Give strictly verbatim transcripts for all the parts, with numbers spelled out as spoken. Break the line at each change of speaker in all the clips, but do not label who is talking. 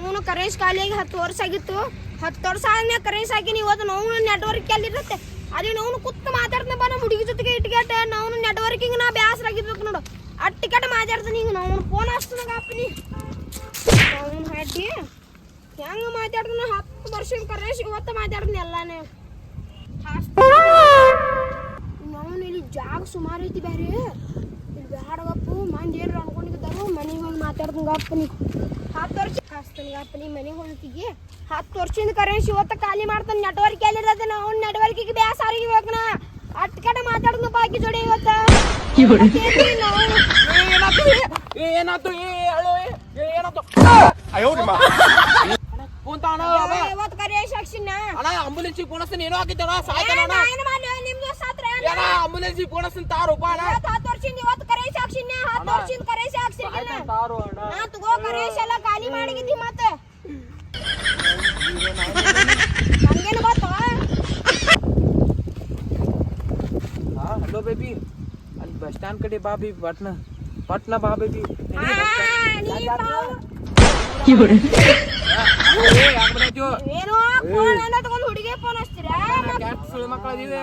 ನಾವು ಕರೆನ್ಸ್ ಖಾಲಿಯಾಗಿ ಹತ್ತು ವರ್ಷ ಆಗಿತ್ತು. ಹತ್ತು ವರ್ಷ ಆದ್ಮೇಲೆ ಕರೆನ್ಸ್ ಹಾಕಿನಿ. ಇವತ್ತು ನಾವು ನೆಟ್ವರ್ಕ್ ಎಲ್ಲಿರುತ್ತೆ ಅದೇ ನಾವು ಕುತ್ತು ಮಾತಾಡ್ತಾನೆ ಬಾ ನಮ್ಮ ಹುಡುಗಿ ಜೊತೆಗೆ ಇಟ್ಗೆಟ ನಾವು ನೆಟ್ವರ್ಕಿಂಗ್ ನಾ ಬ್ಯಾಸರ ಆಗಿರ್ಬೇಕು ನೋಡು. ಅಟ್ಟು ಟಿಕೆಟ್ ಮಾತಾಡ್ತಾನೆ ಈಗ ನಾವು ಫೋನ್ ಹಚ್ತಾನಾಗ ಅಪ್ಪನಿ ಅವನು ಹಾಟಿ ಹೆಂಗೆ ಮಾತಾಡ್ತಾನೆ. ಹತ್ತು ವರ್ಷದ ಕರೆನ್ಸ್ ಇವತ್ತು ಮಾತಾಡ್ತಾನೆ ಎಲ್ಲಾನೇ. ನಾವು ಇಲ್ಲಿ ಜಾಗ ಸುಮಾರು ಐತಿ ಬೇರೆ ಇಲ್ಲಿ ಬ್ಯಾಡಗಪ್ಪು ಮಂದಿ ಏನಾರು ಅನ್ಕೊಂಡಿದ್ದಾರು ಮನೆಗೆ ಹೋಗಿ ಮಾತಾಡ್ದಂಗ ಅಪ್ಪನಿ. ಹತ್ತು ವರ್ಷ ಹಾಸ್ತಾನಿಗೆ ಅಪ್ಪನಿ ಮನೆಗೆ ಹೋಗ್ತಿಗೆ ಹತ್ತು ವರ್ಷದಿಂದ ಕರೆನ್ಸ್ ಇವತ್ತು ಖಾಲಿ ಮಾಡ್ತಾನೆ. ನೆಟ್ವರ್ಕ್ ಎಲ್ಲಿರತ್ತೆ ನಾವು ನೆಟ್ವರ್ಕಿಗೆ ಬ್ಯಾಸ ಆಗಿರ್ಬೇಕನ ಅಟ್ಟು ಕಡೆ ಮಾತಾಡ್ದ ಬಾಕಿ ಜೋಡಿ ಇವತ್ತು
ಏನಾಯ್ತು ಏನಾಯ್ತು
ಇವತ್ತು ಕರೆನ್ಸ್ ಹಾಕ್ಸಿನ
ಅಣ್ಣ ಆಂಬುಲೆನ್ಸ್ ಫೋನಸ್ತೀನಿ ಏನೋ ಆಗಿತ್ತಣ್ಣ ಸಾಯ್ತಾನ
ನಿಮ್ದು ಸಾತ್ರ
ಆಂಬುಲೆನ್ಸ್ ಫೋನಸ್ತೀನಿ ತಾರು ಅಣ್ಣ
ಹತ್ತು ವರ್ಷದಿಂದ ಇವತ್ತು ಕರೆನ್ಸ್ ಹಾಕ್ಸಿನ ಹತ್ತು ವರ್ಷದಿಂದ ಕರೆನ್ಸ್ ಹಾಕ್ಸಿಲ್ಲ
ತಾರು ಅಣ್ಣ
ನಾ ತಗೋ ಕರೆನ್ಸ್ ಎಲ್ಲ ಖಾಲಿ ಮಾಡಿಗಿದ್ದಿ ಮತ್ತೆ ಹಂಗೇನು ಗೊತ್ತ.
ಹಾ ಹಲೋ ಬೇಬಿ ಅಲ್ಲಿ ಬಸ್ ಸ್ಟ್ಯಾಂಡ್ ಕಡೆ ಬಾ ಬಿ ಪಟ್ನ ಪಟ್ನ ಬಾ ಬೇಬಿ.
ಏನೋ ಫೋನ್ ಎಲ್ಲ ತಗೊಂಡು ಹುಡುಗಿ ಫೋನ್ ಹಚ್ತೀರಾ
ಸುಳಿ ಮಕ್ಕಳಿವೆ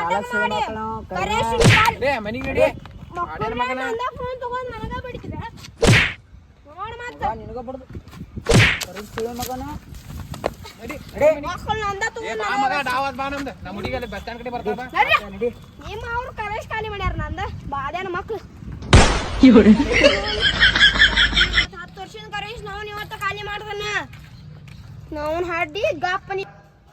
ಮನಿಗೆ
ಫೋನ್ ತಗೊಂಡು ನನಗ ಬಿಡ್ತೀರ ನೋಡ ಮತ್ತೆ
ನಿನಗ ಬಡ್ದು ಸುಳಿ ಮಗನ
ಮಕ್ಕಳು ನಂದ ನಿಮ್ಮ ಅವ್ರು ಕರೆನ್ಸ್ ಖಾಲಿ ಮಾಡ್ಯಾರ ನಂದ ಬಾದ್ಯಾನ ಮಕ್ಳು ಹತ್ತು ವರ್ಷದ ಕರೆನ್ಸ್ ನಾವು ಇವತ್ತು ಖಾಲಿ ಮಾಡ್ದಾನ ನಾವು ಹಾಡಿ ಗಾಪನಿ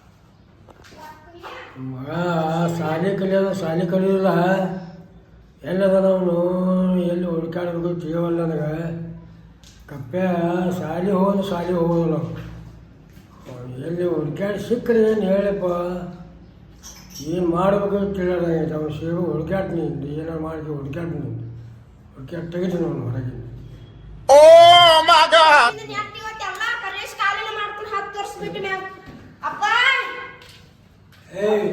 ಮಗ ಶಾಲೆ ಕಲಿಯೋದು ಶಾಲೆ ಕಲಿಯೋದಿಲ್ಲ ಎಲ್ಲದ ನಾವು ಎಲ್ಲಿ ಹುಡುಕಾಡ್ಬೇಕು ಜೀವಲ್ಲ ನನಗೆ ಕಪ್ಪೆ ಶಾಲೆ ಹೋಗೋದು ಶಾಲೆ ಹೋಗೋದು ನಾವು ಎಲ್ಲಿ ಹುಡುಕ್ಯಾಡಿ ಸಿಕ್ಕರೆ ಏನು ಹೇಳಪ್ಪ ಏನು ಮಾಡಬೇಕು ತಿಳಿಯೋದಾಗೈತೆ ಅವ್ನು ಸೇರು ಹುಡುಕ್ಯಾಡ್ತೀನಿ ಏನಾರು ಮಾಡಿ ಹುಡುಕ್ಯಾಡ್ತೀನಿ ಹುಡುಕ್ಯಾಡ್ ತೆಗಿತೀನಿ ಅವನು ಹೊರಗೆ.
ಕರೆನ್ಸ್ ಖಾಲಿನ ಮಾಡ್ಕೊಂಡು ಹತ್ತು ವರ್ಷ ಬಿಟ್ಟು ಮ್ಯಾಗ ಅಪ್ಪ
ಏಯ್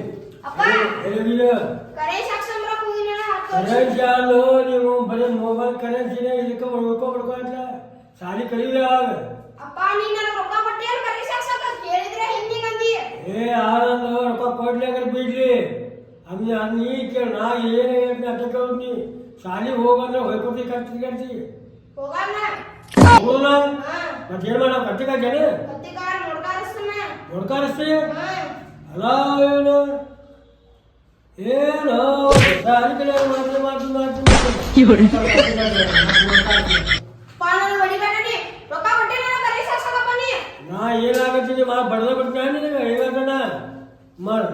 ಕರೆನ್ಸ್ ಹಾಕ್ಸಂಬ್ರ ಹೋಗಿನ ಹತ್ತು ವರ್ಷ
ಕರೆನ್ಸ್ ಯಾರು ನೀವು ಬರೀ ಮೊಬೈಲ್ ಕರೆನ್ಸಿನೇ ಇದಕ್ಕೆ ಉಳ್ಕೊಬಿಡ್ಕೊಲ್ಲ ಶಾಲೆ ಕಲಿಯಿಲ್ಲ ಯಾವಾಗ
ಅಪ್ಪ ನೀನು ನನಗೆ ರೊಕ್ಕ ಕೊಟ್ಟೇನು ಕರೆನ್ಸ್ ಹಾಕ್ಸಕ ಕೇಳಿದ್ರೆ ಹಿಂಗೆ ಅಂದಿ
ಏ ಆನಂದ ರೊಕ್ಕ ಕೊಡ್ಲಿಕ್ಕೆ ಬಿಡ್ಲಿ ಅನ್ನ ನೀ ಕೇಳಿ ನಾ ಏನು ಹೇಳ್ತೀನಿ ಅಡ್ಡ ಕೇಳ್ತೀನಿ ಶಾಲೆಗೆ ಹೋಗಂದ್ರೆ ಹೋಗ್ಕೊಡ್ತಿ ಕಟ್ಟಿ ಕಟ್ಟಿ
ಹೋಗಲ್ಲ
ಹೋಗೋಣ ಮತ್ತೆ ಏನು ಮಾಡ ಕಟ್ಟಿ ಕಟ್ಟೇನೆ
ಕತ್ತಿಗಾರ ನೋಡ್ಕಾರಿಸ್ತಾನ
ನೋಡ್ಕಾರಿಸ್ತೀವಿ ಅಲ್ಲ ಏನು ಏನು ಶಾಲೆ ಕಡೆ ಮಾಡ್ತೀನಿ ಮಾಡ್ತೀನಿ ಮಾಡ್ತೀನಿ
ಪಾಲನ ಹೊಡಿಬೇಡಿ ರೊಕ್ಕ ಕೊಟ್ಟೇನ ಕರೆನ್ಸ್ ಹಾಕ್ಸಕಪ್ಪ ನೀ
ನಾ ಏನಾಗತ್ತೀನಿ ಮಾ ಬಡ್ದ ಬಿಡ್ತೀನಿ ನಿನಗೆ ಹೇಗಣ್ಣ ಮಾಡು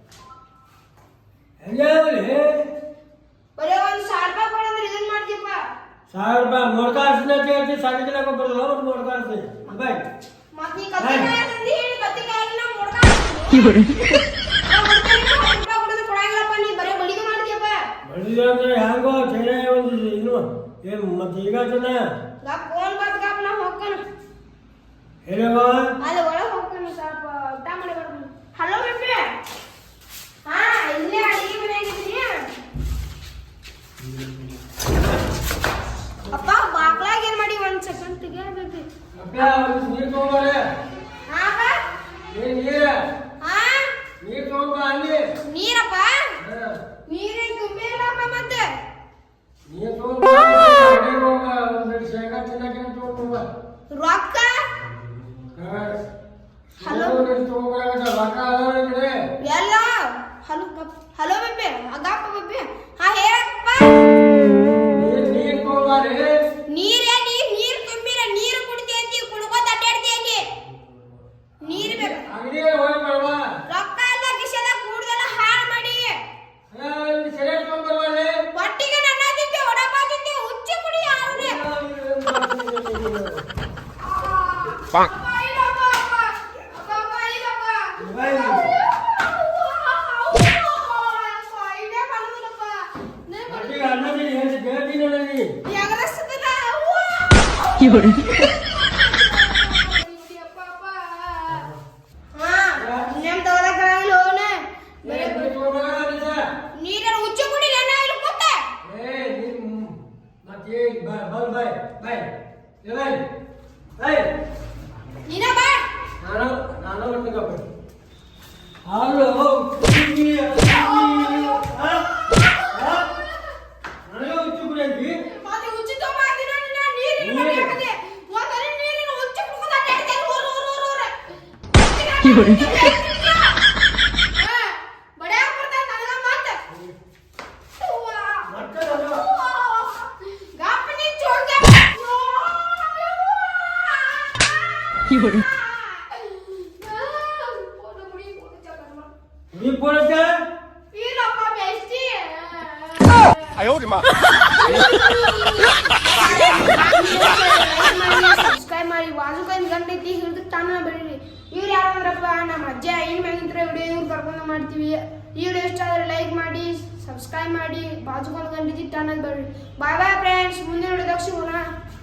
ಹೆಂಗಾಗಲಿ
ಬರೀ ಒಂದು ಸಾವಿರ ರೂಪಾಯಿ ಕೊಡಂದ್ರೆ ಇದನ್ನ ಮಾಡ್ತೀಪ್ಪ
ಸಾವಿರ ರೂಪಾಯಿ ನೋಡ್ಕಾರಿಸ್ತೀನಿ ಅಂತ ಹೇಳ್ತೀನಿ ಶಾಲೆ ಕಡೆ ಬರಲ್ಲ ಮತ್ತೆ ನೋಡ್ಕಾರಿಸ್ತೀನಿ ಬಾಯ್
ಮತ್ತೆ ನೀ ಕತ್ತಿಗಾರ ತಂದಿ ಹೇಳಿ ಕತ್ತಿಗಾರ ನಾ ನೋಡ್ಕಾರಿಸ್ತೀನಿ ಕೊಡಂಗಿಲ್ಲಪ್ಪ ನೀ ಬರೀ ಬಡಿಗೆ ಮಾಡ್ತೀಯಪ್ಪ
ಬಡಿದ ಅಂದ್ರೆ ಹೆಂಗೋ ಚೇನೆ ಒಂದು ಇನ್ನು ಏನು ಮತ್ತೆ ಈಗ ಜನ
ಗಾಪ್ ಫೋನ್ ಬಾತ್ ಗಾಪ್ ನಾ ಹೋಗ್ತಾನ
ಹೇಳವ
ಅಲ್ಲಿ ಒಳಗೆ ಹೋಗ್ತಾನೆ ಸ್ವಲ್ಪ ಊಟ ಮಾಡಿ ಬರ್ತೀನಿ. ಹಲೋ ಬೇಬಿ ಹಾ ಇಲ್ಲೇ ಅಡಿಗೆ ಮನೆಯಾಗಿದ್ದೀನಿ ಅಪ್ಪ ಬಾಗ್ಲಾಗ ಏನ್ ಮಾಡಿ ಒಂದ್ ಸೆಕೆಂಡ್ ತೆಗಿಯಬೇಕಿ
ನೀರು ತಗೊಂಬಾರೆ
ಹಾ
ಏನ್ ನೀರ
ಹಾ
ನೀರು ತಗೊಂಬ ಅಲ್ಲಿ
ನೀರಪ್ಪ ನೀರೇನ್ ತುಂಬಿರಪ್ಪ ಮತ್ತೆ
ನೀರು ತಗೊಂಬ ಒಂದು ಶೇಂಗಾ ತಿನ್ನಕ್ಕೆ ತಗೊಂಬ
ರೊಕ್ಕ
ಹಲೋ ತಗೊಂಬರಾಗ ರೊಕ್ಕ ಅದಾವೆ
ಎಲ್ಲ ಹಲೋ ಹಲೋ ಬೇಬಿ ಅಗಪ್ಪ ಬೇಬಿ ಹಾ ಹೇಳಪ್ಪ
ನೀರು ತಗೊಂಬಾರೆ
ನೀರೇ ನೀರ್ ನೀರ್ ತುಂಬಿರ ನೀರು ಕುಡಿತೇಂತಿ ಕುಡ್ಕೋತ ಅಡ್ಡಾಡ್ತೇಂತಿ ನೀರು ಬೇಕು
ಅಂಗಡಿಗೆ ಹೋಗಿ ಬರವಾ
ರೊಕ್ಕ ಎಲ್ಲ ಕಿಶೆದ ಕೂಡ್ದೆಲ್ಲ ಹಾಳು ಮಾಡಿ
ಸರಿ ತಗೊಂಬರ್ವಾಲೆ
ಒಟ್ಟಿಗೆ ನನ್ನ ತಿಂತೆ ಒಡಪ್ಪ ತಿಂತೆ ಹುಚ್ಚು ಕುಡಿ ಯಾರೇ ನೀರ ಹುಚ್ಚು ಕುಡಿ ನನ್ನ ಇಲ್ಲಿ ಕೂತ
ಬಾಯ್ ಬಾಯ್ ಬಾಯ್ ಬಾಯ್
ನೀ ಬಡ್ಯಾಕ್ ಬರ್ತಾನ ನನಗ ಮತ್ತೆ. ಗಾಪನಿ ಚೋಡ್ಗೆ.
ನೀ ಪೋಲಕ್ಕೆ
ಇಲ್ಲಪ್ಪ ಬೇಸ್ತಿ. ಸಬ್ಸ್ಕ್ರೈಬ್ ಮಾಡಿ ಬಾಜುಕೊಂದ್ ಗಂಟೈತಿ ಹಿಡಿದು ತಾನ ಬೆಳೀರಿ. ಇವ್ರು ಯಾರಂದ್ರಪ್ಪ ನಮ್ಮ ಅಜ್ಜ ಏನ್ ಮ್ಯಾಗಿಂತ್ರ ವಿಡಿಯೋ ಇವ್ರು ಕರ್ಕೊಂಡು ಮಾಡ್ತೀವಿ. ಈ ವಿಡಿಯೋ ಇಷ್ಟ ಆದ್ರೆ ಲೈಕ್ ಮಾಡಿ ಸಬ್ಸ್ಕ್ರೈಬ್ ಮಾಡಿ ಬಾಜುಕೊಂದ್ ಗಂಟೈತಿ ತಾನ ಬೆಳೀರಿ. ಬಾಯ್ ಬಾಯ್ ಫ್ರೆಂಡ್ಸ್, ಮುಂದಿನ ವಿಡಿಯೋದಾಗ ಸಿಗೋಣ.